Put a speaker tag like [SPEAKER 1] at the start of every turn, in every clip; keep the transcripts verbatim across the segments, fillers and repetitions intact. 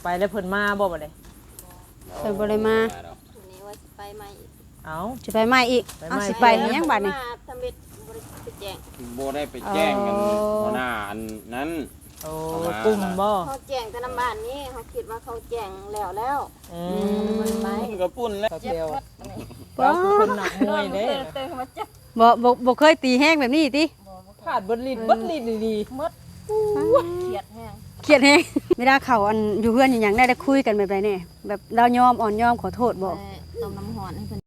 [SPEAKER 1] ไปแล้วเพิ่นมาบ่บัดนี้
[SPEAKER 2] เพิ่นบ่ได้มา
[SPEAKER 3] นี่ว่าสิไปใหม่อีก
[SPEAKER 1] เอ้า
[SPEAKER 2] สิไปใหม่อีกเอาสิไปนี่ยังบัดนี้
[SPEAKER 3] มาทำเบ็ดบ่ได้ไปแจ้ง
[SPEAKER 4] โบได้ไปแจ้งกันหัวหน้าอันนั้น
[SPEAKER 1] โอ้กลุ่มบ่
[SPEAKER 3] เขาแจ้งแต่น้ำบ้านนี้เขาคิดว่าเขาแจ้งแล้วแล้ว
[SPEAKER 1] อืม
[SPEAKER 3] ไป
[SPEAKER 4] กระปุ่นแล้ว
[SPEAKER 1] เดียวเราคือคนหนักมวยเด้
[SPEAKER 3] เติมมาจับ
[SPEAKER 2] บ่บ่บ่เคยตีแห้งแบบนี้ติ
[SPEAKER 1] ขาดบดลิ้นบดลิ้นดี
[SPEAKER 3] มดเขียดแห้ง
[SPEAKER 2] เครียดแฮงเวลาเขาอันอยู่เฮือนอย่างได้ได้คุยกันแบบใดแน่แบบเรายอมอ่อนยอมขอโทษบ่
[SPEAKER 3] ต้มน้ำหอนให้เพิ่น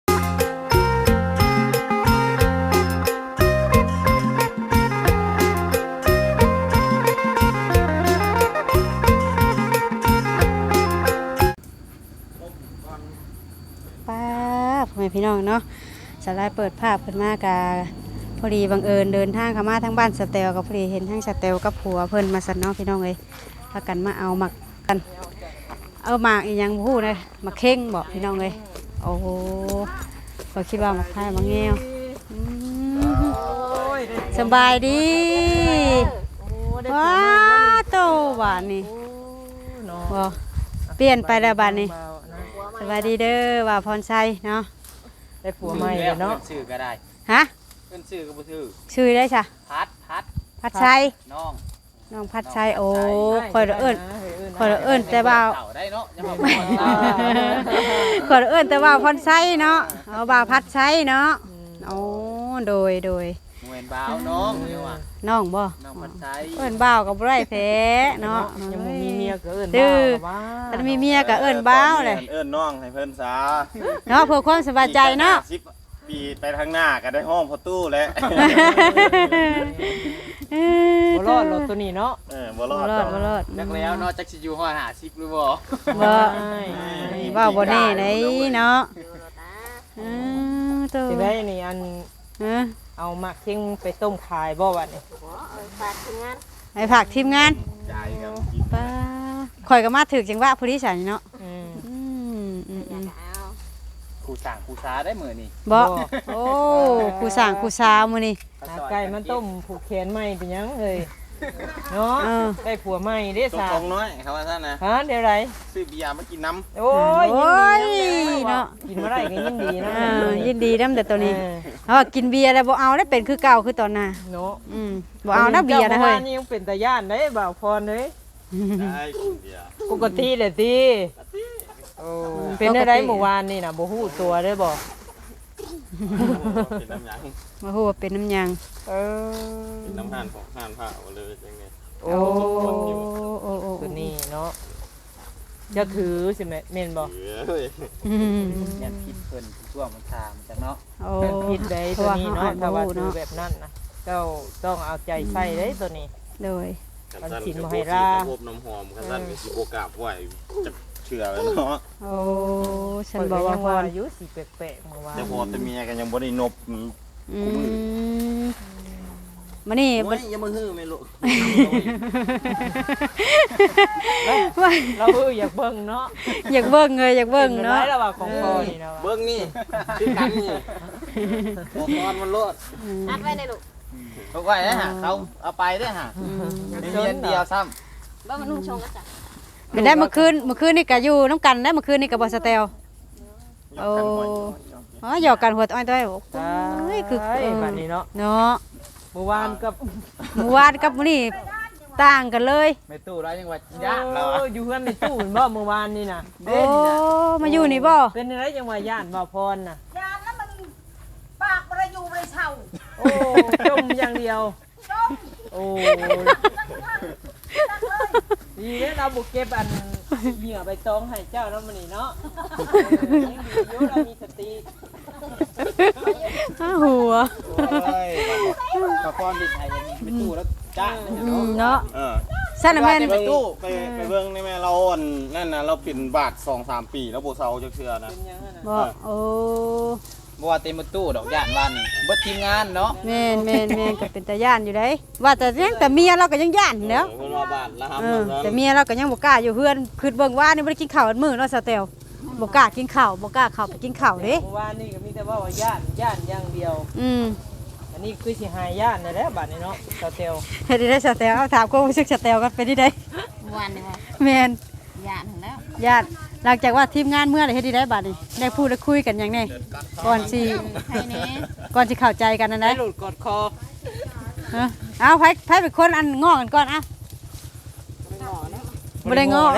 [SPEAKER 2] ป้าพ่อแม่พี่น้องเนาะสไลด์เปิดภาพขึ้นมากะพอดีบังเอิญเดินทางเข้ามาทางบ้านสเตลกับพอดีเห็นทั้งสเตลกับผัวเพิ่นมาสั่นเนาะพี่น้องเอ้ยพากันมาเอาหมักกันเอาหมากอีหยังบ่ฮู้นะหมักเข่งบ่พี่น้องเอ้ยโอ้โหก็คิดว่าหมักไทยหมักแงวอืมสบายดีว้าโตหวานนี่บ่เปลี่ยนไปแล้วบัดนี้สบายดีเด้อว่าพรชัยเนาะ
[SPEAKER 1] ได้ผัวใหม่เนาะ
[SPEAKER 4] ชื่อก็ได้
[SPEAKER 2] ฮะ
[SPEAKER 4] เป็นชื่อก็บ่ชื่อ
[SPEAKER 2] ชื่อได้จ้ะ
[SPEAKER 4] พัดพัด
[SPEAKER 2] พัดชัย
[SPEAKER 4] น้อง
[SPEAKER 2] น้องพัดชัยโอ้คอยเอิ้นคอยเอิ้นแต่ว่า
[SPEAKER 4] เต่าได้เนาะยังบ่
[SPEAKER 2] คอยเอิ้นแต่ว่าพรชัยเนาะเอาบ่าวพัดชัยเนาะโอ้โดยโดย
[SPEAKER 4] เหมือนบ่าวน้องอยู่อ่ะ
[SPEAKER 2] น้องบ่
[SPEAKER 4] น้องพัดใจ
[SPEAKER 2] เอิ้นบ่าวก็บ่ได้แท้เนาะ
[SPEAKER 1] ยังบ่มีเมียก็เอิ้น
[SPEAKER 2] ดื้อ
[SPEAKER 1] ว่า
[SPEAKER 2] ถ้ามีเมียก็เอิ้นบ่าวเลย
[SPEAKER 4] เอิ้นน้องให้เพิ่นซะ
[SPEAKER 2] เนาะเพื่อความสบายใจเนาะ
[SPEAKER 4] สิบปีไปทางหน้าก็ได้ห้องพอตู้แล้ว
[SPEAKER 1] บ่รอดรถตัวนี้เนาะ
[SPEAKER 4] เออบ่ร
[SPEAKER 2] บ่
[SPEAKER 4] อด
[SPEAKER 2] รอดบ่รอด
[SPEAKER 4] นักแล้วเนาะจักสิอยู่ฮอดห้าสิบหรือบ่
[SPEAKER 2] บ่ว่าบ่แน่ไหนเนาะอือโต
[SPEAKER 1] สิได้นี่อัน
[SPEAKER 2] เออ
[SPEAKER 1] เอาหมักเข่งไปต้มขายบ่บัดนี้
[SPEAKER 3] หัวเอ้ยฝากทีมงาน
[SPEAKER 2] ให้ฝากทีมงาน
[SPEAKER 4] ใจกันกิน
[SPEAKER 2] ป้าข่อยก็มาถึกจังหวะผู้ที่ฉันเนาะ
[SPEAKER 1] อืม
[SPEAKER 2] อืมอืม
[SPEAKER 3] อ
[SPEAKER 2] อื
[SPEAKER 3] ยาก
[SPEAKER 2] ม
[SPEAKER 3] เอา
[SPEAKER 4] ครูสั่งครูช้าได้มื้อนี้
[SPEAKER 2] บ่โอ้ครูสร้างครูสาวมื้อนี้
[SPEAKER 1] หาไก่มันต้มผูกแขนใหม่เป็นหยังเอ้ยเนาะ
[SPEAKER 2] เออ
[SPEAKER 1] ได้ผัวใหม่เด้
[SPEAKER 4] ต
[SPEAKER 1] สา
[SPEAKER 4] รงๆน้อยเขาว่าซั่นนะ
[SPEAKER 1] ฮะเดี๋ยวไร
[SPEAKER 4] ซื้อเบียร์มากินน้ำ
[SPEAKER 1] โอ้ย
[SPEAKER 2] โอ้ย
[SPEAKER 1] ยินดี
[SPEAKER 2] เนาะ
[SPEAKER 1] กินมาได้ก็ยินดีนะ
[SPEAKER 2] เออยินดีนำแต่ตัวนี้
[SPEAKER 1] เออ
[SPEAKER 2] เฮากินเบียร์แล้วบ่เอาแล้วเป็นคือเก่าคือตอนน่ะ
[SPEAKER 1] เนาะ
[SPEAKER 2] อืมบ่เอานะเบียร์นะเฮ้ย
[SPEAKER 1] จ้ามื่อวานนี่ยังเป็นตาย่านได้บ่าวพรเลย
[SPEAKER 4] ได้กินเบียร์
[SPEAKER 1] ปกติเลยติโอ้เป็นได้ไรเมื่อวานนี่น่ะบ่ฮู้ตัวได้บ่
[SPEAKER 4] เป็นน้ำหยัง
[SPEAKER 2] บ่ฮู้ว่าเป็นน้ำหยัง
[SPEAKER 1] เออ
[SPEAKER 4] เป็นน้ำห่านของห่านผ้าเอาเลยจังไง
[SPEAKER 1] โอ้
[SPEAKER 2] โอ้โอ้
[SPEAKER 1] ตัวนี้เนาะจะถือใช่ไหมเมนบ่
[SPEAKER 4] เฮ้ย
[SPEAKER 2] อืม
[SPEAKER 5] ยันพิษเพิ่นช่วงมันทามจังเนาะ
[SPEAKER 2] โอ้
[SPEAKER 1] เป็นพิษได้ตัวนี้เนาะ
[SPEAKER 2] เพ
[SPEAKER 1] ถ้า
[SPEAKER 2] ราะ
[SPEAKER 1] ว่า
[SPEAKER 2] ว่า
[SPEAKER 1] ถื
[SPEAKER 2] เฮา
[SPEAKER 1] อ
[SPEAKER 2] อ่านบ่ฮู้
[SPEAKER 1] แบบนั้นนะเจ้าต้องเอาใจใส่ได้ตัวนี้
[SPEAKER 2] โดย
[SPEAKER 1] มันกินบ่ให้ลา
[SPEAKER 4] พบน้ำหอมคันนั้นก็สิบ่กราบไหวจะเชื่อแล้วเนาะ
[SPEAKER 2] โอ้ฉันบอกว่าพร
[SPEAKER 1] อายุสิแปลกๆเมื่อวาน
[SPEAKER 4] แต่พอแต่เมียกันยังบ่ได้นบ
[SPEAKER 2] อืมมานี่
[SPEAKER 4] โอ้ยอย่ามาฮื้อแม่ลูก
[SPEAKER 2] ว่า
[SPEAKER 1] เราเอออยากเบิ่งเนาะ
[SPEAKER 2] อยากเบิ่งเลยอยากเบิ่งเนาะ
[SPEAKER 1] ป็นไรระหว่างของพ่อนี่นะวะ
[SPEAKER 4] เบิ่งนี่คือกันนี่บ่กอนมันโลด
[SPEAKER 3] อัดไว้ในลูก
[SPEAKER 4] เขาไว้นะฮะเขาเอาไปเด้อฮะมีเรียนเดียวซ้ำ
[SPEAKER 3] บ่มันนุ่งชงกันจ้ะ
[SPEAKER 2] เป็นได้เมื่อคืนเมื่อคืนนี่ก็อยู่น้ำกันได้เมื่อคืนนี่กับบอสเตลโอ้อ๋อหยอกกันหัวอ้อยต้อยโอ้ยคือ
[SPEAKER 1] ใช่แบบนี้เนาะ
[SPEAKER 2] เนาะ
[SPEAKER 1] เมื่อวานกับ
[SPEAKER 2] เมื่อวานกับมื้อนี้ต่างกันเลย
[SPEAKER 5] แม่ตู้ร้อยยังว่า
[SPEAKER 1] ญาติเราอยู่เพื่อนในตู้เห็นบ่เมื่อวานนี่น่ะ
[SPEAKER 2] โอ้มาอยู่นี่บ่
[SPEAKER 1] เป็นอะไรจังว่าญาติบ่าวพรน่ะ
[SPEAKER 6] ยานแล้วมันปากบริยูบริเช่า
[SPEAKER 1] โอ้จมอย่างเดียวโอ้ดีแล้วเราบุกเก็บอันเหยื่อใบตองให้เจ้าแล้วมันนี่เนาะยังดีอยู่เรามีสติ
[SPEAKER 2] อ้าหัว
[SPEAKER 4] โอ้ย
[SPEAKER 5] กระพรดิไทยแม่ตู้แล้วจ้า
[SPEAKER 2] อืมเนาะ
[SPEAKER 4] เออ
[SPEAKER 2] ซั่นน่ะแม่น
[SPEAKER 4] ไปตู้ไปไปเบิ่งนี่แม่เราอ่อนนั่นน่ะเราปิ่นบาท สองสาม ปีแล้วบ่เซาจักเทื่อนะ
[SPEAKER 1] เป็นยังไงน่ะ
[SPEAKER 2] บ่โอ้
[SPEAKER 5] บ่ว่าเต็มประตูดอกย่านบ้านนี่เบิดทีมงานเนาะ
[SPEAKER 2] แม่นแม่นแม่นก็เป็นตาย่านอยู่ได้ว่าแต่ยังแต่เมียเราก็ยังย่านอยู่แล้ว
[SPEAKER 4] เพิ่นว่าบาทละครับ
[SPEAKER 2] เออแต่เมียเราก็ยังบ่กล้าอยู่เพื่อนคือเบิ่งว่านี่บ่ได้กินข้าวมื้อเนาะสเตลบ่กล้ากินข้าวบ่กล้าเข้าไปกินข้าวเด้
[SPEAKER 1] เมื่อวานนี่ก็มีแต่ว่าว่าย่านย่านอย่างเดียว
[SPEAKER 2] อืม
[SPEAKER 1] อันนี้คือสิหายย่านนั่นแหละบัดนี้เนาะเจ้าเตียว
[SPEAKER 2] เฮ็ดได้สเตลเอาถามความรู้สึกสเตลกันเป็นที่ใด
[SPEAKER 3] เมื่อวานนี่ว่า
[SPEAKER 2] แม่น
[SPEAKER 3] ยยานถึงแล้ว
[SPEAKER 2] ญาติหลังจากว่าทีมงานเมื่อไหร่เฮ็ดได้บัดนี้ได้พูดได้คุยกันอย่างนี้ก่อนสิ
[SPEAKER 3] ใครแน่
[SPEAKER 2] ก่อนสิเข้าใจกันนั่น
[SPEAKER 1] ได้
[SPEAKER 2] นะ
[SPEAKER 1] หลุดกอดคอ
[SPEAKER 2] ฮะเอาไผไผเป็นคนอันง้อกันก่อนอ่ะบ่ได้ง้อ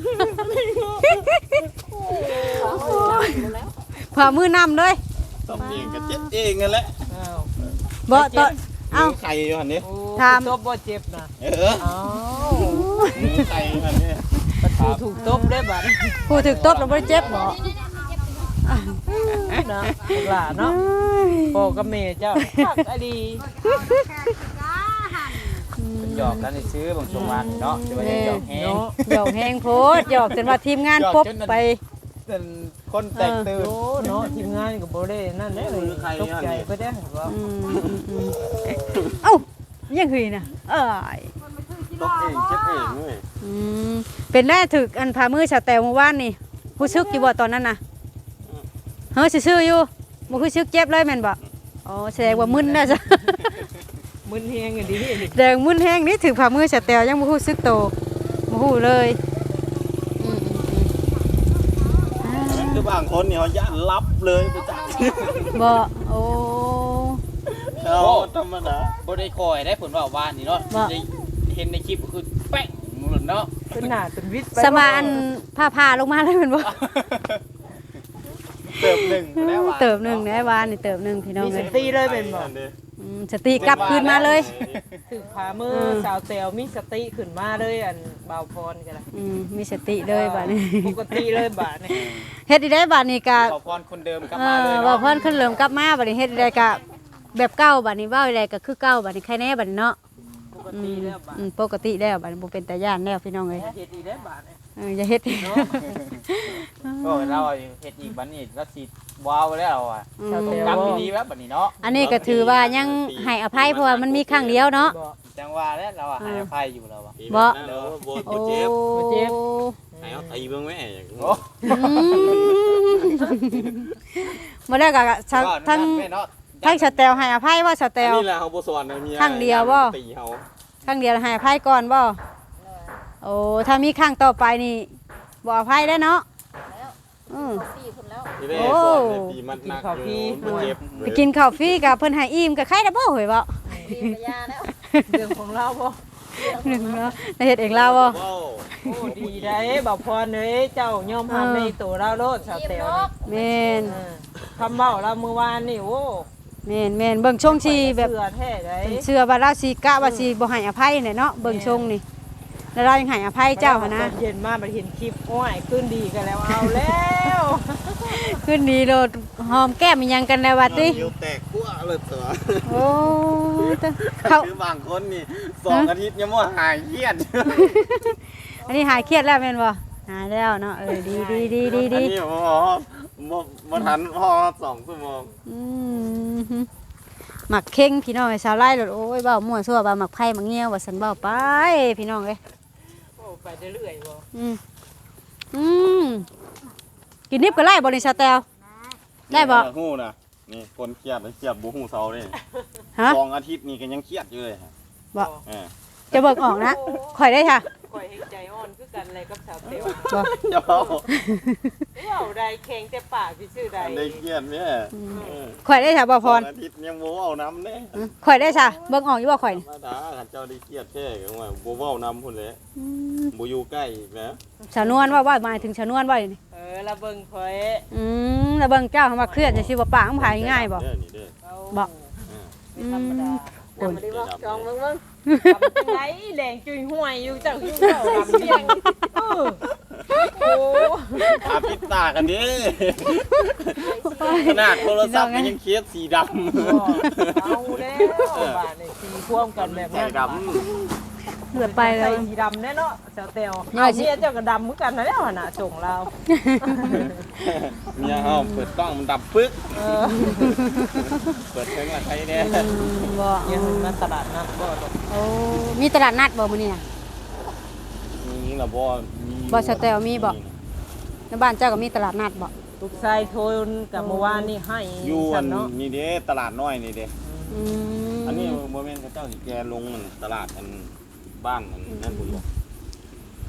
[SPEAKER 2] พามือนำเลย
[SPEAKER 4] สำเนียงก็เจ็บเองนั่นแหละ
[SPEAKER 1] อ้าว
[SPEAKER 2] บ่ตอนเอ้า
[SPEAKER 4] มีไข่อยู่หั่นนี่
[SPEAKER 1] โอ้
[SPEAKER 2] ถาม
[SPEAKER 1] ตบบ่เจ็บนะ
[SPEAKER 4] เออ
[SPEAKER 1] อ้าว
[SPEAKER 4] มีไข่อยู่หั่นนี่
[SPEAKER 1] ประตูถูกตบได้บัด
[SPEAKER 2] ผู้ถูกตบแล้วบ่ได้เจ็บบ่
[SPEAKER 1] นะหลานเนาะพ่อกับแม่เจ้าคักอะดี
[SPEAKER 5] หยอกกันให้ซื้อบางช่วงวันเนาะจะว่าหยอกแฮง
[SPEAKER 1] เนาะ
[SPEAKER 2] หยอกแฮงโพดหยอกจนว่าทีมงานปบไป
[SPEAKER 5] เป็นคนแตกตื่น
[SPEAKER 1] โอ้เนาะทีมงานก็บ่ได้นั่นแหละเลยตกใจก็ได้ว่า
[SPEAKER 2] อืมอืมอืมเอ้ายังหืยนะเอ้ย
[SPEAKER 4] ตกเองเจ็บเองเว้ย
[SPEAKER 2] อืมเป็นได้ถึกอันพามือชาแตวเมื่อวานนี่ผู้ซึกอยู่บ่ตอนนั้นน่ะเฮ้ยซื่อๆอยู่บ่คือซึกเจ็บเลยแม่นบ่อ๋อแสดงว่ามึนน่ะจ้ะ
[SPEAKER 1] มึนเฮงกันดีนี่
[SPEAKER 2] แดงมึนแห้งนี่ถึกพามือชาแตวยังบ่ฮู้ซึกโตบ่ฮู้เลยอืมอืมอืม
[SPEAKER 4] คือบางคนนี่เขาย่านรับเลยไปจ้า
[SPEAKER 2] บ่โอ้
[SPEAKER 4] เขาธรรมดา
[SPEAKER 5] บ่ได้คอยได้ผลว่าว่านนี่เนาะได้เห็นในคลิปก็คือแป๊ะหมดเนาะ
[SPEAKER 1] เป็นหน้าเป็นวิทย์ไป
[SPEAKER 2] สมาอันผ้าพาลงมาเลยแม่นบ่
[SPEAKER 4] เติมหนึ่งแล้วว่ะ
[SPEAKER 2] เติบหนึงได้วานนี่เติบหนึงพี่น้อง
[SPEAKER 1] มีส
[SPEAKER 2] เอ้ย
[SPEAKER 1] ติเลยเป็นบ่
[SPEAKER 2] อืมสติกลับคืนมาเลย
[SPEAKER 1] ถึงพามือสาวแตวมีสติขึ้นมาเลยอันบ่าวพรกันละ
[SPEAKER 2] อืมมีสติเลยบัดนี้
[SPEAKER 1] ปกติเลยบาดนี่
[SPEAKER 2] เฮ็ดได้บัดนี้ก็
[SPEAKER 5] ขอพรคนเดิมกลับ
[SPEAKER 2] เอ
[SPEAKER 5] มาเล
[SPEAKER 2] อย ว่า
[SPEAKER 5] เนาะ
[SPEAKER 2] เพิ่นขึ้นเริ่มกลับมาบัดนี้เฮ็ดได้ก็แบบเก่าบัดนี้เว้าได้ก็คือเก่าบัดนี้ใครแน่บัดนี้เนาะ
[SPEAKER 1] ปกติแล้วบาด
[SPEAKER 2] อืมปกติแล้วบัดนี้บ่เป็นตาย่านแล้วพี่น้องเอ้ย
[SPEAKER 1] เฮ็ดอีได้บาดนี่
[SPEAKER 2] เอออย่าเฮ็ด
[SPEAKER 5] โอ้เราเฮ็ดอีกบัดนี้เราสิว้าวแล้วอ่ะ
[SPEAKER 2] อื
[SPEAKER 5] ต้
[SPEAKER 2] ม
[SPEAKER 5] องกลับดีๆแบบบัดนี้เนาะ
[SPEAKER 2] อันนี้ก็ถือว่ายังให้อภัยเพราะว่ามันมีครั้งเดียวเนาะ
[SPEAKER 1] บ่
[SPEAKER 5] จังว่าแล้วเราอ่ะให้อภัยอยู่แล้วอ่ะ
[SPEAKER 2] บ่
[SPEAKER 4] เดี๋ยวโบ
[SPEAKER 2] โอ้
[SPEAKER 4] เจ็บ
[SPEAKER 1] เจ็บ
[SPEAKER 4] ไหนเอาตีเบื้องแม่อย่างนี้
[SPEAKER 5] โอ้
[SPEAKER 2] อืมบ่ได้ก็ชาวทั้ง
[SPEAKER 5] แม่เนาะ
[SPEAKER 2] ทั้งสแตลให้อภัยว่าสแตล
[SPEAKER 4] นี่แหละเขาโบสอนเมีย
[SPEAKER 2] ครั้งเดียวบ่
[SPEAKER 4] ตีเขา
[SPEAKER 2] ครั้งเดียวให้อภัยก่อนบ่โอ้ถ้ามีครั้งต่อไปนี่บ่อภัยได้เนาะอืม
[SPEAKER 3] ปีคนแล้ว
[SPEAKER 4] ที่ได้
[SPEAKER 2] โอ้
[SPEAKER 4] สอนในตีมันหนักอยู่มันเจ็บ
[SPEAKER 2] ไปกินข้าวฟรีกับเพิ่นให้อิ่มกับใครได้บ่เฮ้ยบ่
[SPEAKER 3] ปีกระยาแล้ว
[SPEAKER 1] เรื่องของเราบ่
[SPEAKER 2] หนึ่งเนาะได้เฮ็ดเองลาวบ่
[SPEAKER 4] ว้าว
[SPEAKER 1] โอ้ดีได้บ่าวพรเอ้ยเจ้ายอมรับในตัวเราโลดสาวแตวนี่
[SPEAKER 2] แม่น
[SPEAKER 1] เออคำเว้าเราเมื่อวานนี่โอ้
[SPEAKER 2] แม่นแม่นเบิ่งช่วงที่แบบ
[SPEAKER 1] เสือแท้ได้
[SPEAKER 2] เชื่อว่าเราสิกะว่าสิบ่ให้อภัยเนี่ยเนาะเบิ่งช่วงนี่แล้วเรายังให้อภัยเจ้าหั่นนะ
[SPEAKER 1] เย็นมาบัดเห็นคลิปโอ้ยขึ้นดีกันแล้วเอาแล้ว
[SPEAKER 2] ขึ้นดีโลดหอมแก้มอีหยังกันแล้วว่าติ
[SPEAKER 4] เดียวแตกขั้วเลยเสือ
[SPEAKER 2] โอ้ตะเขา
[SPEAKER 4] คือบางคนนี่สองอาทิตย์ยังไม่หายเครียด
[SPEAKER 2] อันนี้หายเครียดแล้วแม่นบ่หายแล้วเนาะเออดีดีดีดี
[SPEAKER 4] อัน
[SPEAKER 2] ดี
[SPEAKER 4] นี้ผมบอกว่ามาทันพอสองชั่วโมง
[SPEAKER 2] อืมหมักเข่งพี่น้องไอ้สาวไล่โลดโอ้ยเว้ามั่วซั่วว่าหมักไผ่หมักเงี้ยวว่าซั่นเว้าไปพี่น้องเอ้ย
[SPEAKER 1] โอ้ไปเรื่อยๆบ่
[SPEAKER 2] อืมอืมกินนิบก็ไล่บริษัทแตวได้บ่
[SPEAKER 4] หู้นะนี่คนเครียดเครียดบูหูเซาเลย
[SPEAKER 2] ฮะ
[SPEAKER 4] สองอาทิตย์นี่ก็ยังเครียดอยู่เลยฮะ
[SPEAKER 2] บ่
[SPEAKER 4] เออ
[SPEAKER 2] จะเบิกออกนะข่อยได้ค่ะ
[SPEAKER 1] ข่อยเห็นใจอ่อนคือกันเลยกับสาวเตว
[SPEAKER 2] บ่
[SPEAKER 4] เจ้า
[SPEAKER 1] เว้าได้แข็งแต่ปากพี่ชื่อใด
[SPEAKER 4] อันได้เครียดเนี่ยเออ
[SPEAKER 2] ข่อยได้ค่ะบ่พ
[SPEAKER 4] สอ
[SPEAKER 2] รง
[SPEAKER 4] อาทิตย์ยังโบเอาน้ำเนี่ย
[SPEAKER 2] ข่อยได้ค่ะเบิกออกอยู่บ่ข่อย
[SPEAKER 4] ธร
[SPEAKER 2] นี่
[SPEAKER 4] รมดาขันเจ้าได้เครียดแค่กันว่าโบเว้าน้ำพุ่นเลย
[SPEAKER 2] อืม
[SPEAKER 4] โบอยู่ใกล้อีกนะ
[SPEAKER 2] ชาวนวลว่าว่าหมายถึงชาวนวลว่านี่
[SPEAKER 1] เออละเบิ่งข่อย
[SPEAKER 2] อืมแล้วเบิ่งเจ้าคำว่าเครียดจังซี่บ่ปากมันหายง่ายบ่
[SPEAKER 4] เด้อนี่เด้อ
[SPEAKER 1] เอา
[SPEAKER 2] บ่
[SPEAKER 1] ไม่ธรรมดา
[SPEAKER 2] โอ้ย
[SPEAKER 4] เด้อดำ
[SPEAKER 3] จองเบิ่งเบิ่ง
[SPEAKER 1] ทำจังไดแดงจุยห่วยอยู่เจ้าอยู่เจ้าดำเสียงเออโอ้
[SPEAKER 4] อาปิดตากันดิขนาดโทรศัพท์มันยังเครียดสีดำ
[SPEAKER 1] เอาแล้วบาดนี่สีพ่วงกันแบบ
[SPEAKER 4] ใส่
[SPEAKER 1] นั้น
[SPEAKER 4] ด
[SPEAKER 2] เลือดไปแล้
[SPEAKER 1] ใส่
[SPEAKER 2] ว
[SPEAKER 1] สีดำแน่เนาะสาวเตว
[SPEAKER 2] น้อย
[SPEAKER 1] เอา
[SPEAKER 2] สิ
[SPEAKER 1] เมียเจ้าก็ดำเหมือนกันนะแล้วหั่นน่ะส่งเรา
[SPEAKER 4] ำเมียเฮาเปิดกล้องมันดับปึ๊ก
[SPEAKER 1] เออ
[SPEAKER 4] เปิดเพลงอะไรเนี่ย
[SPEAKER 2] อืมบ่
[SPEAKER 1] ยังมาตลาดนัดบ่ดอก
[SPEAKER 2] โอ้มีตลาดนัดบ่มื้อนี้น่ะ
[SPEAKER 4] นี่ล่ะบ่มี
[SPEAKER 2] บ่สแตลมีบ่ ในบ้านเจ้าก็มีตลาดนัดบ่
[SPEAKER 1] ลูกชายโทนกับเมื่อวานนี่ให้
[SPEAKER 4] อยู่อั
[SPEAKER 1] ฉั
[SPEAKER 4] น
[SPEAKER 1] นเนาะ
[SPEAKER 4] นี่เด้ตลาดน้อยนี่เด้
[SPEAKER 2] อืม
[SPEAKER 4] อันนี้บ่แม่นเขาเจ้าสิแกลงมันตลาดอันบ้านอันนั่นพุ่นบ่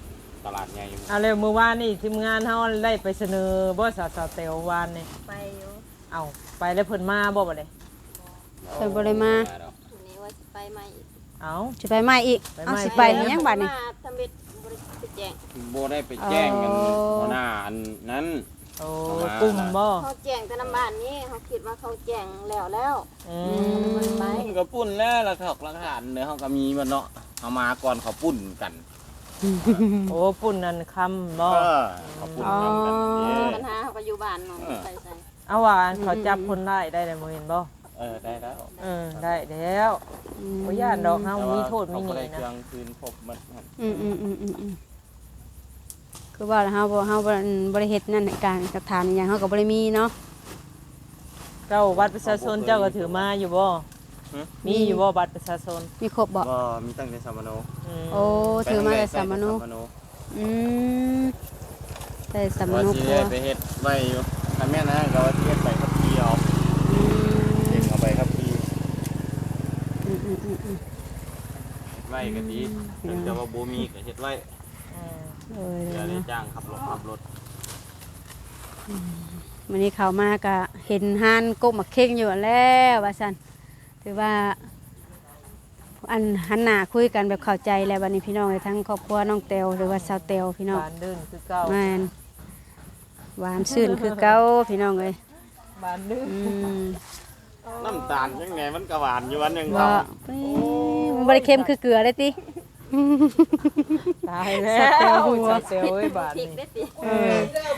[SPEAKER 4] ตลาดใหญ่อยู่
[SPEAKER 1] เอาเร็วเมื่อวานนี่ทีมงานเฮาได้ไปเสนอบ่สาวสาวเตววานนี่
[SPEAKER 3] ไปอยู่
[SPEAKER 1] เอาไปแล้วเพิ่นมาบ่บ่ได้
[SPEAKER 2] เพิ่นบ่ได้มา
[SPEAKER 3] ทีนี้ว่าสิไปใหม่อีก
[SPEAKER 1] เอา
[SPEAKER 2] สิไปใหม่อีก
[SPEAKER 1] ไปใหม่
[SPEAKER 2] เอาสิไปอีหยังบัดนี้
[SPEAKER 3] มาทำเบ็ดบริษัทแจ้ง
[SPEAKER 4] โบได้ไปแจ้งกัน
[SPEAKER 2] อ๋อ
[SPEAKER 4] หัวหน้าอันนั้น
[SPEAKER 1] โอ้กลุ่มบ่
[SPEAKER 3] เขาแจ้งแต่น้ำบ้านนี้เขาคิดว่าเขาแจ้งแล้วแล้ว
[SPEAKER 1] อื
[SPEAKER 3] มัน
[SPEAKER 1] ม
[SPEAKER 3] ไป
[SPEAKER 4] ปุ้นกับปุ้นแล้วแล้วถอกหลักฐานเนื้อเขาก็มีมันเนาะเอามาก่อนเขาปุ้นกัน
[SPEAKER 1] โอ้ปุ่นนั่นคำบ่
[SPEAKER 4] เออเขาปุ้นกันกันนี่
[SPEAKER 3] ปัญหาเขาก็อยู่บ้านเนาะไปใส่
[SPEAKER 1] เอาว่าอันเขาจับคนได้ได้แล้วบ่เห็นบ่
[SPEAKER 4] เออได้แล้ว
[SPEAKER 1] เออได้แล้วบ่ย่านดอกเฮามีโทษมี
[SPEAKER 4] เขา
[SPEAKER 1] ห
[SPEAKER 4] ก็
[SPEAKER 1] นี่
[SPEAKER 4] ได้เครื่
[SPEAKER 1] นะ
[SPEAKER 4] องคืนพบมันครับ
[SPEAKER 2] อืมอืมอืมอืมอืมคือว่าเฮาบ่เฮาบ่บ่ได้เฮ็ดนั่นการกระทานอหย่างเฮาก็บ่ได้มีเนาะ
[SPEAKER 1] เจ้าบัตรประชาชนเจ้าก็ถือมาอยู่บ่มีอยู่บ่บัตรประชาชน
[SPEAKER 2] มีครบบ่
[SPEAKER 4] ก็มีตั้งแต่สามโน
[SPEAKER 1] อืม
[SPEAKER 2] โอ้ถือมาแต่สามโน
[SPEAKER 4] ไปตั้งแต่สามโน
[SPEAKER 2] อืมแต่สาม
[SPEAKER 4] ว่า
[SPEAKER 2] โน
[SPEAKER 4] ที่
[SPEAKER 2] ครัว
[SPEAKER 4] ได้ไปเฮ็ดไว้อยู่ถ้าแม่นะก็ว่าที่เฮ็ดไปขับขี่เอา
[SPEAKER 2] อื
[SPEAKER 4] เด็
[SPEAKER 2] ม
[SPEAKER 4] กเอาไปขับขี่
[SPEAKER 2] อืมอืมอืมอืม
[SPEAKER 4] ไว้ก็ดีแต่ว่าบ่มีก็เฮ็ดไว้
[SPEAKER 1] อืม
[SPEAKER 2] เออ
[SPEAKER 4] เดี๋ยวได้
[SPEAKER 2] เนาะ
[SPEAKER 4] จ้างขับรถขับรถ
[SPEAKER 2] วันนี้เขามาก็เห็นฮานกบมาเข่งอยู่แล้วว่าซั่นถือว่า อันหันหน้าคุยกันแบบเข้าใจแล้ววันนี้พี่น้องทั้งครอบครัวน้องเตวหรือว่าสาวเตวพี่น้อง
[SPEAKER 1] บานดื้นคือเก่า
[SPEAKER 2] แม่นหวานซื่นคือเก่าพี่น้องเอ้ย
[SPEAKER 1] บานดื้น
[SPEAKER 2] อืม
[SPEAKER 4] น้ำตาลยังไงมันก็หวานอยู่วันหนึง
[SPEAKER 2] บ่มันบ่ได้เค็มคือเกลือเลยติ
[SPEAKER 1] ตายแล้ว
[SPEAKER 2] สัตว์เตวหัว
[SPEAKER 1] สัตว์เตวเอ้ยบาน
[SPEAKER 3] พริก
[SPEAKER 1] นี่
[SPEAKER 3] ได้ติ
[SPEAKER 2] เออ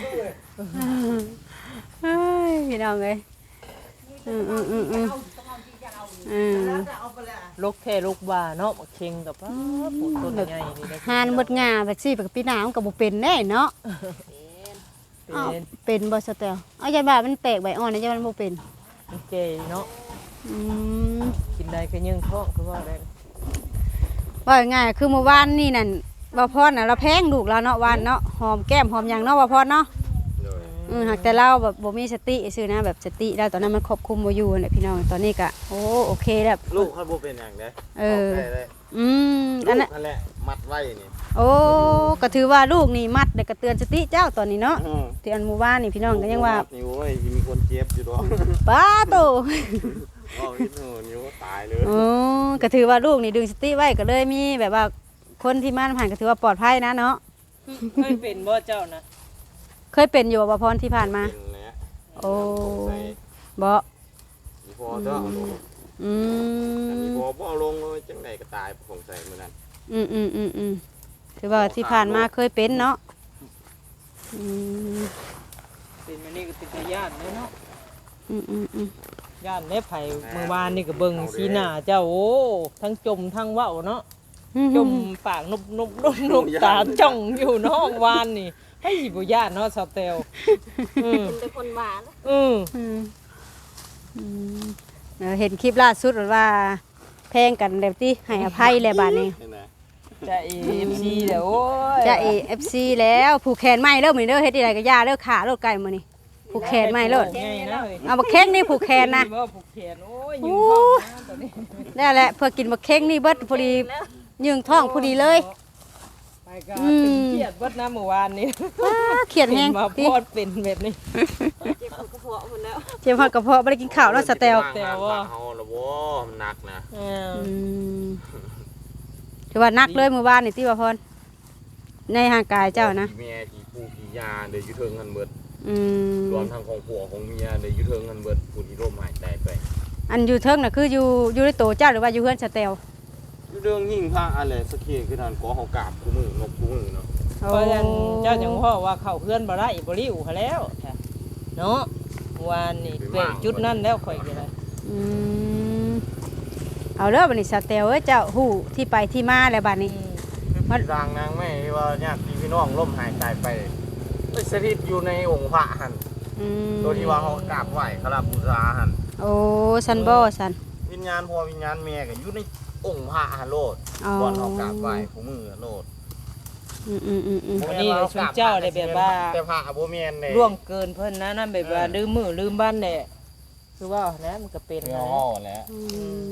[SPEAKER 2] เฮ้ยพี่น้องเอ้ยอืมอืมอืมอืมอืม
[SPEAKER 1] ลูกแค่ลูกบ่าเนาะมาเค็งกับป้าปูต้นใหญ่นี่นะ
[SPEAKER 2] หานหมดงาแบบซี่แบบพี่น้ำก็บ่เป็นแน่เนาะ อ้าว
[SPEAKER 1] เป็น
[SPEAKER 2] เป็นบ่สเตลเอาใจบ่ามันแปลกใบอ่อนนะใจมันบ่เป็น
[SPEAKER 1] มันเกยเนาะ
[SPEAKER 2] อืม
[SPEAKER 1] กินได้ก็ยังท้องคือว่าได้
[SPEAKER 2] ว่าง่ายๆคือเมื่อวานนี่นั่นบ่พรน่ะเราแพงลูกเราเนาะวานเนาะหอมแก้มหอมหยังเนาะบ่พรเนาะอือหากแต่เราแบบบ่มีสติซื่อนะแบบสติเราตอนนั้นมันควบคุมบ่อยู่นั่นแหละพี่น้องตอนนี้ก็โอ้โอเคแล้ว
[SPEAKER 4] ลูกเขาบ่เป็นอย่างเด้
[SPEAKER 2] เออ
[SPEAKER 4] าได้เลย
[SPEAKER 2] อืม
[SPEAKER 4] ลู
[SPEAKER 2] อัน
[SPEAKER 4] ก
[SPEAKER 2] นั้น
[SPEAKER 4] นั่นแหละมัดไว้นี่
[SPEAKER 2] โอ้ก็ถือว่าลูกนี่มัดได้ก็เตือนสติเจ้าตอนนี้เนาะ
[SPEAKER 4] อืม
[SPEAKER 2] ที่อันหมู่บ้านนี่พี่น้องก็ยังว่า
[SPEAKER 4] นิ้วเว้ยมีคนเจ็บอยู่ดอก
[SPEAKER 2] ป้าโต
[SPEAKER 4] อ๋อพี่หนูนิ้วตายเลย
[SPEAKER 2] โอ้ก็ถือว่าลูกนี่ดึงสติไว้ก็เลยมีแบบว่าคนที่มาผ่านก็ถือว่าปลอดภัยนะเนาะ
[SPEAKER 1] เคยเป็นบ่เจ้านะ
[SPEAKER 2] เคยเป็นอยู่บ่พรที่ผ่านมา
[SPEAKER 4] เป็นแหละ
[SPEAKER 2] โอ้
[SPEAKER 4] ใส่
[SPEAKER 2] บ่
[SPEAKER 4] มีพอเด้อเอาลง
[SPEAKER 2] อื
[SPEAKER 4] อันนี้
[SPEAKER 2] ม
[SPEAKER 4] พอบ่เอาลงเลยจังไดก็ตายสงสัยมื้อนั้น
[SPEAKER 2] อืมอืมอืมอืมถือว่าที่ผ่านมาเคยเป็นเนาะอืม
[SPEAKER 1] เป็นมันนี่ก็ติดญาติเนาะ
[SPEAKER 2] อืมอืมอืม
[SPEAKER 1] ญาติได้ไผเมื่อวานนี่ก็เบิ่งสีหน้าเจ้าโอ้ทั้งจมทั้งเว้าเนาะจมปากนุบนุบนุบนุบตาจ้องอยู่เนาะวานนี่ให้บ่ญาติเนาะสาวเตวอืม
[SPEAKER 3] เป็นแต่คนหวาน
[SPEAKER 1] อืม
[SPEAKER 2] อืมอืมเออเห็นคลิปล่าสุดว่าแพงกันแบบที่ให้อภัยแล้วบาดนี้
[SPEAKER 4] นี่นะ
[SPEAKER 1] จะ เอ เอฟ ซี เด้อโอ้ย
[SPEAKER 2] จะ เอ เอฟ ซี แล้วผูกแขนไหมเริ่มเหมือนเด้อเฮ็ดอะไรก็ย่าเด้อขาโลดไก่มื้อนี้ผูกแขนไหมโลด
[SPEAKER 1] ไงนะเว้ย
[SPEAKER 2] เอาบักเค้งนี่ผูกแขนนะ
[SPEAKER 1] บ่ผูกแขนโอ้ยยืนท้องนะตอนนี้
[SPEAKER 2] ได้แหละเพื่อกินบักเค้งนี่เบิดพอดียืงท้องพอดีเลย
[SPEAKER 1] ไปก็ตึงเครียดเบิดนะเมื่อวานนี้
[SPEAKER 2] ว้าเขียดแห้ง
[SPEAKER 1] มา
[SPEAKER 2] ติ
[SPEAKER 1] พอดเป็นแบบนี้
[SPEAKER 3] เจ็บกระเพาะหมดแล้ว
[SPEAKER 2] เจ็บฮอดกระเพาะบ่ได้กินข้าวแล้วสแตล
[SPEAKER 1] แต่ว่า
[SPEAKER 4] เฮาละบ่มันหนักนะ
[SPEAKER 1] เออ
[SPEAKER 2] อืมถือว่านักเลยเมื่อวานนี่ติว่าพรในห่างกายเจ้านะ
[SPEAKER 4] เมียที่ผู้ที่ยาเด้อยู่เทิงกันเบิด
[SPEAKER 2] อืม
[SPEAKER 4] รวมทั้งของผัวของเมียเด้อยู่เทิงกันเบิดผู้ที่ร่มหายใจไป
[SPEAKER 2] อันอยู่เทิงน่ะคืออยู่อยู่ในโตเจ้าหรือว่าอยู่เฮือนสแตล
[SPEAKER 4] อยู่เรื่องยิ่งพระอะไรสักทีคือทานขอเฮากราบคู่มือนกคู่มือเนาะ
[SPEAKER 1] เพราะฉะนั้นเจ้าจังพ่อว่าเข้าเพื่อนบ่ได้บ่ริ้วเขาแล้วเนาะเมื่อวานนี่เปะจุดนั้นแล้วข่อยก็ได้
[SPEAKER 2] อืมเอาเด้อบัดนี้สแตลเอ้ยเจ้าฮู้ที่ไปที่มาแล้วบัดนี้
[SPEAKER 4] มันรางนางแม่ที่ว่าญาติพี่น้องร่มหายใจไปไปสถิตอยู่ในองค์พระหัน
[SPEAKER 2] อืม
[SPEAKER 4] ตัวที่ว่าเขากราบไหว้เขาลาบูชาหัน
[SPEAKER 2] โอ้ซันบ่ซัน
[SPEAKER 4] วิญญาณพ่อวิญญาณแม่ก็อยู่ในองค์พระหันโลด
[SPEAKER 2] อ๋อ
[SPEAKER 4] ก่อนเขากราบไหว้ผู้มือโลด
[SPEAKER 2] อืมอืมอืมอืม
[SPEAKER 1] วันนี้ชุนเจ้าได้แบบว่า
[SPEAKER 4] แต่พระบ่แม่นเด้
[SPEAKER 1] ล่วงเกินเพิ่นนะนั่นแบบว่าลืมมือลืมบ้านแหละคือว่านะมันก็เป็น
[SPEAKER 4] เงา
[SPEAKER 1] นะ
[SPEAKER 4] ห่อแล้ว
[SPEAKER 2] อืม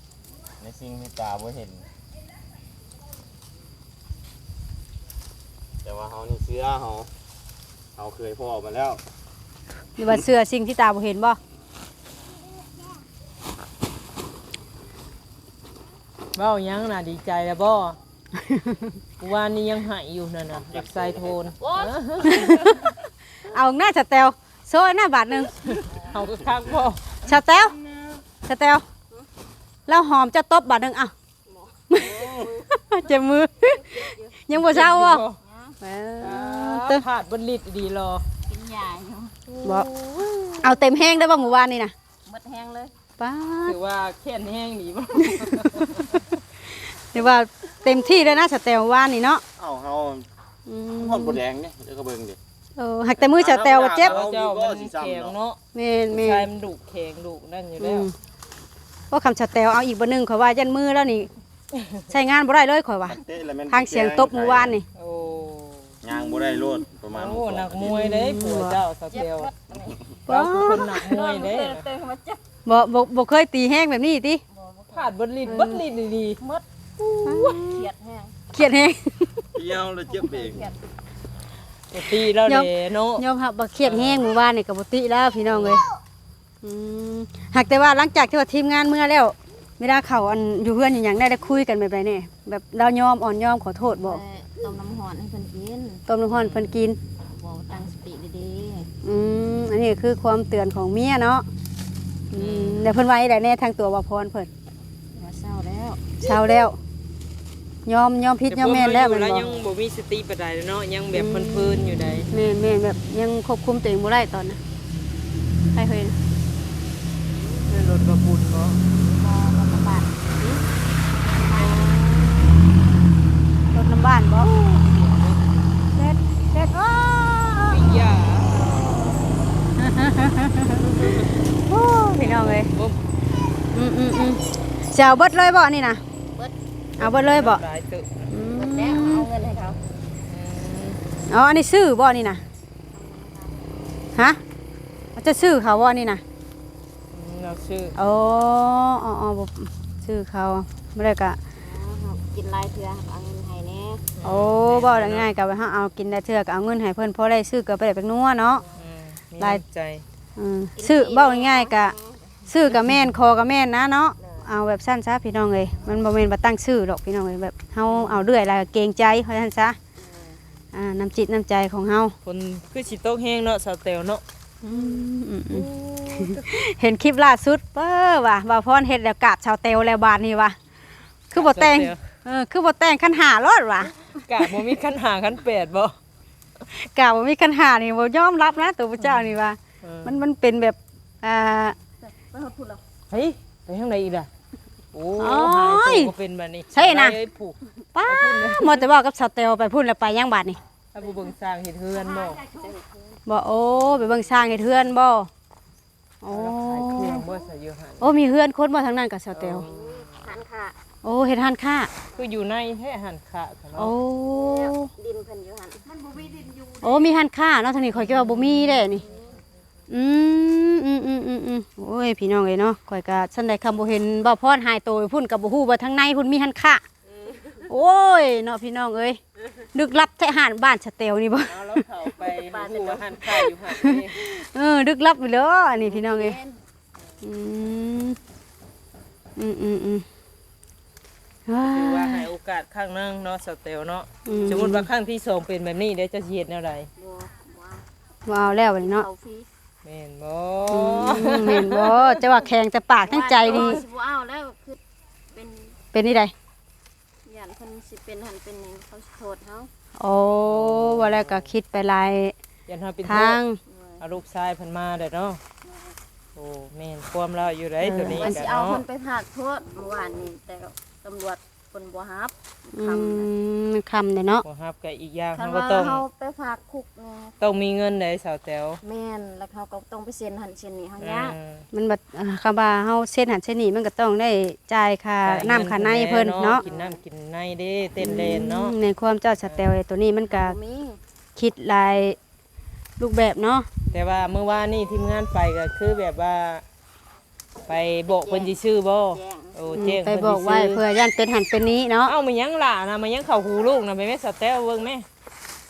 [SPEAKER 4] ในสิ่งที่ตาบ่เห็นแต่ว่าเฮานี่เสื้อเฮาเฮาเคยพ่อมาแล้ว
[SPEAKER 2] หรือว่าเสื้อสิ่งที่ตาบ่เห็นบ่
[SPEAKER 1] เว้ายังน่ะดีใจแล้วบ่วานนี้ยังหายอยู่นั่นน่ะอยากใส่โทน
[SPEAKER 2] เอาหน้าสแตลโซ่หน้าบาทหนึง
[SPEAKER 1] เอาก็คักบ่
[SPEAKER 2] สแตลสแตลแล้วหอมจะตบบาทหนึงเอ้าเจ็บมือยังบ่เช้าบ่เออ
[SPEAKER 1] เติมผาดบนลิดดีรอ
[SPEAKER 3] กินยาอยู่
[SPEAKER 2] บ่เอาเต็มแห้งได้บ่หมู่บ้านนี่น่ะ
[SPEAKER 3] หมดแห้งเลย
[SPEAKER 2] ป้าด
[SPEAKER 1] ถือว่าแค่นแห้งดีบ่
[SPEAKER 2] เรียกว่าเต็มที่เลยนะสแตลว่านนี่เนาะ
[SPEAKER 4] เอ้าเฮา
[SPEAKER 2] อื
[SPEAKER 4] ฮอดบ่
[SPEAKER 2] ม
[SPEAKER 4] แดงนี่เดี๋ยวก็เบิ่งดิ
[SPEAKER 2] เออหักแต่มือสแตลว่าเจ็บ
[SPEAKER 1] เจ้ามันแข็งเนาะ
[SPEAKER 2] แม่นแม่
[SPEAKER 1] ชาย
[SPEAKER 2] น
[SPEAKER 1] มันดุแข็งดุนั่นอยู่
[SPEAKER 2] อื
[SPEAKER 1] แล้ว
[SPEAKER 2] มเพราะคำสแตลเอาอีกบ่หนึงข่อยว่ายันมือแล้วนี่ ใช้งานบ่ได้เลยข่อยว่า
[SPEAKER 4] เตะแล้วแม่น
[SPEAKER 2] ทางเสียงตบหมู่บ้านนี่
[SPEAKER 1] โอ้
[SPEAKER 4] ยางบ่ได้โลดประมาณ
[SPEAKER 1] โอ้หนักมวยเลยผัวเจ้าส
[SPEAKER 3] เจ็บ
[SPEAKER 1] เตล
[SPEAKER 3] หมดอันนี้
[SPEAKER 1] เราคือคนหนักมวยเด้
[SPEAKER 3] เติมเติมมาเจ็บ
[SPEAKER 2] บ่บ่บ่เคยตีแห้งแบบนี้ติ
[SPEAKER 1] ผาดบนลิดบนลิดดี
[SPEAKER 3] หมดเขียดแห้ง
[SPEAKER 2] เครียดแห้ง
[SPEAKER 4] เดียวแล้วเจ็บเอง
[SPEAKER 1] ๆปกติแล้วเด้เนาะ
[SPEAKER 2] ยอมรับบ่เครียดแห้งหมู่บ้านนี่ก็บ่ติแล้วพี่น้องเอ้ยอืมหากแต่ว่าหลังจากที่ว่าทีมงานเมื่อแล้วเวลาเขาอันอยู่เพื่อนอหย่างได้ได้คุยกันแบบไรเนี่ยแบบเรายอมอ่อนยอมขอโทษบ่
[SPEAKER 3] ต้มน้ำหอนให้เพิ่นกิน
[SPEAKER 2] ต้มน้ำร้อนเพิ่นกิน
[SPEAKER 3] บอกตั้งสติดี
[SPEAKER 2] อืมอันนี้คือความเตือนของเมียเนาะอืมเดี๋ยวเพิ่นไว้ได้แน่ทางตัวบ่พรเพิ่น
[SPEAKER 3] ๆว่าเศร้าแล้ว
[SPEAKER 2] เช้าแล้ว ยอมยอมผิดยอมแม่นแล้ว
[SPEAKER 1] ต่
[SPEAKER 2] แม่น
[SPEAKER 1] พอมาอยู่
[SPEAKER 2] บ่
[SPEAKER 1] แล้วยังบ่มีสติปานใดเนาะยังแบบเพลินๆอยู่ใด
[SPEAKER 2] แม่นแม่นแบบยังควบคุมตัวเองบ่ได้ตอนน่ะใครเคย
[SPEAKER 1] ในรถกระปุนเนาะ
[SPEAKER 3] มองลำบาก
[SPEAKER 2] รถน้ำบ้านบ่เด็ดเด็ดอ้อ
[SPEAKER 1] ปิยา
[SPEAKER 2] โอ้พี่น้องเอ้ย
[SPEAKER 1] บ่
[SPEAKER 2] อืมอืมอืมสิเอาเบิดเลยบ่นี่น่ะ
[SPEAKER 3] เบิด
[SPEAKER 2] เอาเบิดเลยบ่
[SPEAKER 1] หลายตึก
[SPEAKER 2] อืม
[SPEAKER 3] เบิดแล้วเอาเงินให้เขา
[SPEAKER 2] อ๋ออันนี้ซื้อบ่นี่น่ะฮะมันจะซื้อเขาบ่นี่น่ะ
[SPEAKER 1] เราชื่อ
[SPEAKER 2] โอ้อ๋ออ๋อบ่ซื้อเขาบ่ได้กะ
[SPEAKER 3] กินลายเถื่อเอาเงินให้แน่
[SPEAKER 2] โอ้บ่ได้ง่ายกะว่าเฮาเอากินได้เทื่อก็เอาเงินให้เพิ่นพอได้ซื้อก็ไปได้เป็นนัวเนาะ
[SPEAKER 1] อืมมี
[SPEAKER 2] หลาย
[SPEAKER 1] น้ำใจ
[SPEAKER 2] อืมซื้อเว้าง่ายๆกะซื้อก็แม่นคอก็แม่นนะเนาะเอาแบบสั้นซะพี่น้องเอ้ยมันบ่แม่นว่าตั้งชื่อดอกพี่น้องเอ้ยแบบเฮาเอาเรื่อยแล้วก็เกรงใจเพราะฉะนั้นซะอ่าน้ำจิตน้ำใจของเฮา
[SPEAKER 1] คนคือสิตกแห้งเนาะสาวเตลเนาะ
[SPEAKER 2] อืมอืมอืมเห็นคลิปล่าสุดเป้อว่ะบ่าวพรเฮ็ดแล้วกราบชาวเตลแล้วบาดนี้ว่ะคือบ่แต่งเออคือบ่แต่งคันหารอดว่ะ
[SPEAKER 1] กะบ่มีคันหาคันแปดบ่
[SPEAKER 2] กล่าวว่ามีคันหานี่บ่ยอมรับนะตัวพระเจ้านี่ว่า
[SPEAKER 1] เออ
[SPEAKER 2] มันมันเป็นแบบอ่า
[SPEAKER 3] ไปหดพูดแล้ว
[SPEAKER 1] เฮ้ยไปทางไหนอีกล่ะโอ้
[SPEAKER 2] โอ้
[SPEAKER 1] หาย
[SPEAKER 2] ย
[SPEAKER 1] ตัวก็เป็นแบบนี้
[SPEAKER 2] ใช่นะ
[SPEAKER 1] เอ้ยผูก
[SPEAKER 2] ป้าหมดแต่บอกกับชาวเตลไปพูดแล้วไปย่างบาดนี่
[SPEAKER 1] ถ้าผู้เบิ่งสร้างเฮ็ดเฮือนบ่
[SPEAKER 2] บ่โอ้ไปเบิ่งสร้างให้เฮือนบ่โอ้
[SPEAKER 1] แล้วขายเครื่องบ่ใส่อยู่หั่น
[SPEAKER 2] โอ้มีเฮือนคนบ่ทางนั้นกับชาวเตล
[SPEAKER 3] ทานค่ะ
[SPEAKER 2] โอ้เฮ็ดหันค่า
[SPEAKER 1] คืออยู่ในแท้หันขะกัน
[SPEAKER 2] โอ้
[SPEAKER 1] เนาะ
[SPEAKER 3] ดินเพิ่นอยู่หั่น
[SPEAKER 2] โอ้มีหันค่าเนาะทางนี้ข่อยคิดว่าบ่มีเด้นี่อืมอืมอืมอืมอืมโอ้ยพี่น้องเอ้ยเนาะข่อยก็ซั่นได้คำบ่เห็นบ่พรหายโตวพุ่นก็บ่ฮู้ว่าทางในพุ่นมีหันค่าโอ้ยเนาะพี่น้องเอ้ยลึกลับแท้หานบ้านชาวเตลนี่บ่
[SPEAKER 1] เอาแล้วเข้าไปฮู้ว่าหันขะอยู่หั่นนี่
[SPEAKER 2] เออดึกลับไปเลยอันนี้พี่น้องเอ้ยอืมอืมอืมอืมว้า
[SPEAKER 1] คือว่าให้โอกาสครั้งหนึงเนาะสเตลเนาะ
[SPEAKER 2] อืม
[SPEAKER 1] สมมุติว่าครั้งที่สองเป็นแบบนี้เดี๋ยวจะสิเฮ็ดแนวใด
[SPEAKER 3] บัวว่า
[SPEAKER 2] ว้าวแล้วบัดนี้เนาะ
[SPEAKER 3] เขาฟรี
[SPEAKER 1] แม่นบ่
[SPEAKER 2] อืมเห็นบ่จะว่าแข็งแต่ปากทั้งใจดี
[SPEAKER 3] สิบ่เอาแล้วคือเป็น
[SPEAKER 2] เป็นนี่ใด
[SPEAKER 3] ย่านเพิ่นสิเป็นหันเป็นนี่เขาสิโทษเฮา
[SPEAKER 2] โอ้ว่าแล้วก็คิดไปหลาย
[SPEAKER 1] ยันเฮาเป็น
[SPEAKER 2] ทาง
[SPEAKER 1] เอาลูกชายเพิ่นมาเด้อเนาะโอ้แม่นความเราอยู่ได้ตัวนี้
[SPEAKER 3] มัน
[SPEAKER 1] กั
[SPEAKER 3] สิ
[SPEAKER 1] น
[SPEAKER 3] เอา
[SPEAKER 1] เนาะ
[SPEAKER 3] เพิ่นไปพากโทษเมื่อวานนี้แต่ตำรวจเพิ่นบ่รับ
[SPEAKER 2] อื
[SPEAKER 3] คำ
[SPEAKER 2] มมันคำเด้เนาะ
[SPEAKER 1] บ่ฮับก็อีกอย่าง
[SPEAKER 3] คัน
[SPEAKER 1] เฮาก็
[SPEAKER 3] ว่า
[SPEAKER 1] ต้อง
[SPEAKER 3] เฮาไปฝากคุกนี่
[SPEAKER 1] ต้องมีเงินได้สาวแต๋ว
[SPEAKER 3] แม่นแล้วเขาก็ต้องไปเซ็นหันเซ็นนี่เฮายาก
[SPEAKER 1] อืม
[SPEAKER 2] มันบัดอ่าคำว่าเฮาเส้นหันเส้นนี้มันก็ต้องได้จ่ายค่าน้ำค่าในเพิ่นเนาะ
[SPEAKER 1] กินน้ำกินในเด้เต้นเลนเนาะ
[SPEAKER 2] อืมในความเจ้าสแตลตัวนี้มันก็
[SPEAKER 3] บ่มี
[SPEAKER 2] คิดหลายรูปแบบเนาะ
[SPEAKER 1] แต่ว่าเมื่อวานนี่ทีมงานไปก็คือแบบว่า ไปบอกเพิ่นสิซื้อบ่
[SPEAKER 3] แจ้ง
[SPEAKER 1] โอ้
[SPEAKER 2] อืม
[SPEAKER 1] แจ้ง
[SPEAKER 2] ไป
[SPEAKER 1] เพิ่น
[SPEAKER 2] บอก
[SPEAKER 1] สิ
[SPEAKER 2] ไว้
[SPEAKER 1] ซื้อ
[SPEAKER 2] เพื่อย่านเป็นหันเป็นนี้เนาะ
[SPEAKER 1] เอ้ามายังหล่านะมายังเข้าหูลูกนะไปแม่สแตลเบิ่งแม่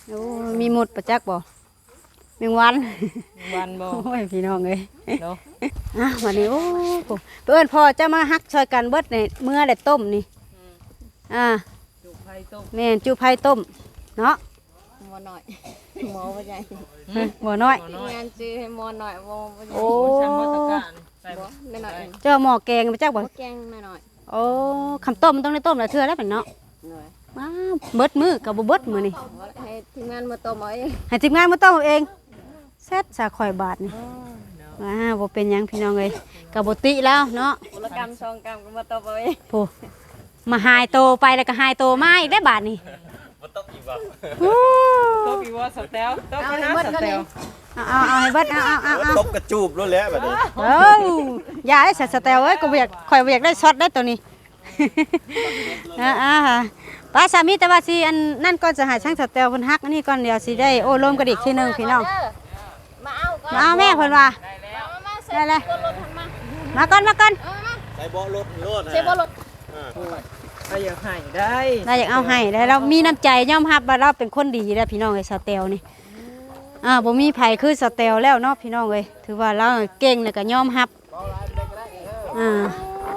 [SPEAKER 2] โอ้มีหมดประจักษ์บ่แมงวัน
[SPEAKER 1] วันบ่
[SPEAKER 2] โอ้ยพี่น้องเอ้ย
[SPEAKER 1] เนาะ
[SPEAKER 2] อ่ะวันนี้โอ้โหเพื่อนพ่อจะมาฮักช่วยกันเบิดในเมื่อได้ต้มนี่อ่า
[SPEAKER 1] จุไผต้ม
[SPEAKER 2] แม่นจูไผ่ต้มเนาะ
[SPEAKER 3] หมอหน่อยหมอบ่ใหญ่
[SPEAKER 2] เฮ้ยหัวน้อย
[SPEAKER 1] น้อย
[SPEAKER 3] งานซื้อให้หมอหน่อยบ่บ่ใหญ่
[SPEAKER 2] โอ้
[SPEAKER 1] ช่างมาตรการใส่
[SPEAKER 3] บ่
[SPEAKER 1] บ่
[SPEAKER 3] หน่อย
[SPEAKER 2] เจ้าหม้อแกงไปจักบ่
[SPEAKER 3] บ่แกงหน่อย
[SPEAKER 2] โอ้คำต้มมันต้องได้ต้มละเทื่อแล้วเป็นเนาะ
[SPEAKER 3] ๆหน่อย
[SPEAKER 2] ว้าวเบิดมือกับบ่เบิดมือนี่
[SPEAKER 3] ให้ทีมงานมาต้มเอาเอง
[SPEAKER 2] ให้ทีมงานมาต้มเอาเองเสร็จสาข่อยบาทนี่ว้าวบ่เป็นหยังพี่น้องเอ้ยกับบ่ติแล้วเนาะ
[SPEAKER 3] กุลกรรมสองกรรมก็มาต้มเอาเอง
[SPEAKER 2] โอ้มาหายโตไปแล้วก็หายโตมาอีกได้บาทนี่
[SPEAKER 4] บ่ต้องอีกบ่
[SPEAKER 2] อู้
[SPEAKER 1] ต้มอีว่าสแตลต้มไปนะสแตล
[SPEAKER 2] เอาเอาเอาให้เบิดเอาเอาเอาเอา
[SPEAKER 4] ตบกระจูบแล้วแหละบัดนี้
[SPEAKER 2] เอ้าอย่าได้สแตลเอ้ยก็บ่อยากข่อยบ่อยากได้ช็อตได้ตัวนี้ อ่าอ่าป้าสามีแต่ว่าสิอันนั่นก่อนจะหาช่างสแตลเพิ่นฮักอันนี้ก่อนเดียวสิได้โอ้ลมกันอีกทีหนึงพี่น้อง
[SPEAKER 3] มาเอาก่อน
[SPEAKER 2] มาเอาแม่เพิ่นว่า
[SPEAKER 3] มามาเสร็
[SPEAKER 2] ได้
[SPEAKER 3] จ
[SPEAKER 2] เลย
[SPEAKER 3] ตัวรถทันมา
[SPEAKER 2] มาก่อนมาก่อน
[SPEAKER 3] เอามา
[SPEAKER 4] ใส่เบาะรถรถ
[SPEAKER 3] เสร็จบ่รถ
[SPEAKER 1] ถ้าอยากให้ได้
[SPEAKER 2] เราอยากเอาให้แล้วเรามีน้ำใจยอมรับว่าเราเป็นคนดีแล้วพี่น้องไอ้สแตลนี่อ่าบ่มีไผคือสแตลแล้วเนาะพี่น้องเอ้ยถือว่าเราเก่งแล้วก็ยอมรับอ่า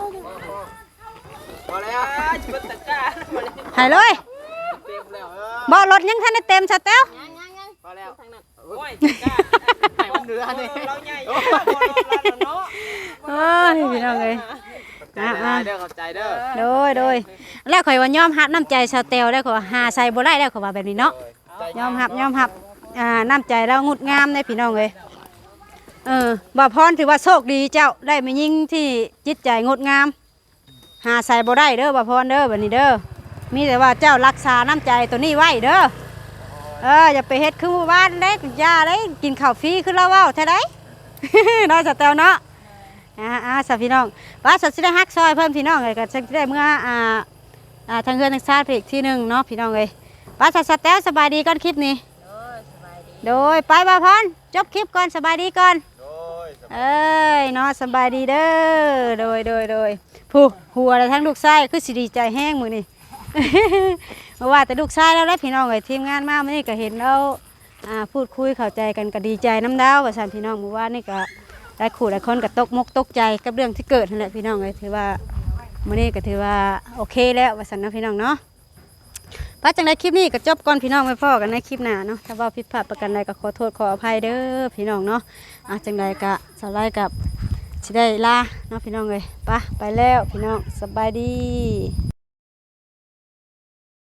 [SPEAKER 5] พอแล้ว
[SPEAKER 1] จิบตะกร้า
[SPEAKER 2] ให้เลย
[SPEAKER 5] เต็มแล้วเออ
[SPEAKER 2] บ่รถยังทันได้เต็มสแตล
[SPEAKER 3] ยังยังยัง
[SPEAKER 5] พอแล้ว
[SPEAKER 3] ทางนั้น
[SPEAKER 1] โอ้ยตะกร้า
[SPEAKER 5] ให้มันเหลือนี่
[SPEAKER 1] เราใหญ่บ่รอดเนาะ
[SPEAKER 2] เอ้ยพี่น้องเอ้ย
[SPEAKER 5] อ่าเด้อเข้าใจเด้อ
[SPEAKER 2] โดยโดยแล้วข่อยว่ายอมรับน้ำใจสแตลแล้วข่อยว่าหาใส่บ่ได้แล้วข่อยว่าแบบนี้เนาะ ยอมรับยอมรับอ่าน้ำใจเรางดงามในพี่น้องเลยเออบ่พรถือว่าโชคดีเจ้าได้มายิ่งที่จิตใจงดงาม หาใส่บ่ได้เด้อบ่พรเด้อบัดนี้เด้อมีแต่ว่าเจ้ารักษาน้ำใจตัวนี้ไว้เด้อเอออย่าไปเฮ็ดคือหมู่บ้านเด้อยาได้กินข้าวฟรีคือเราเว้าแท้ได้ น้อยสแตวเนาะอ่าอ่าสาพี่น้องว่าสัตว์สิได้ฮักซอยเพิ่มพี่น้องเลยก็จะได้เมื่ออ่าอ่าทางเฮือนทางชาติอีกที่หนึงเนาะพี่น้องเลยว่าสัตว์สแตวสบายดีก่อนคลิปนี้ โดยไปบ่าวพรจบคลิปก่อนสบายดีก่อน
[SPEAKER 4] โดย
[SPEAKER 2] เอ้ยเนาะสบายดีเด้อโดยโดยโดยผู้หัวและทั้งลูกชายคือสิดีใจแห้งมือนี่ เพราะว่าแต่ลูกชายแล้วได้พี่น้องเอ้ยทีมงานมามื่อนี้ก็เห็นแล้วอ่าพูดคุยเข้าใจกันก็ดีใจน้ำดาวว่าซั่นพี่น้องเมื่อวานนี่ก็ได้ขู่หลายคนก็ตกมกตกใจกับเรื่องที่เกิดนั่นแหละพี่น้องเอ้ยถือว่ามื่อนี้ก็ถือว่าโอเคแล้วว่าซั่นเนาะพี่น้องเนาะ ป้าจังได้คลิปนี้ก็จบก่อนพี่น้องไปพ่อกันในคลิปหน้าเนาะถ้าว่าผิดพลาดประกันใดก็ขอโทษขออภัยเด้อพี่น้องเนาะอ่ะจังใดก็สบายกับสิได้ลาเนาะพี่น้องเลยไปไปแล้วพี่น้องสบายดี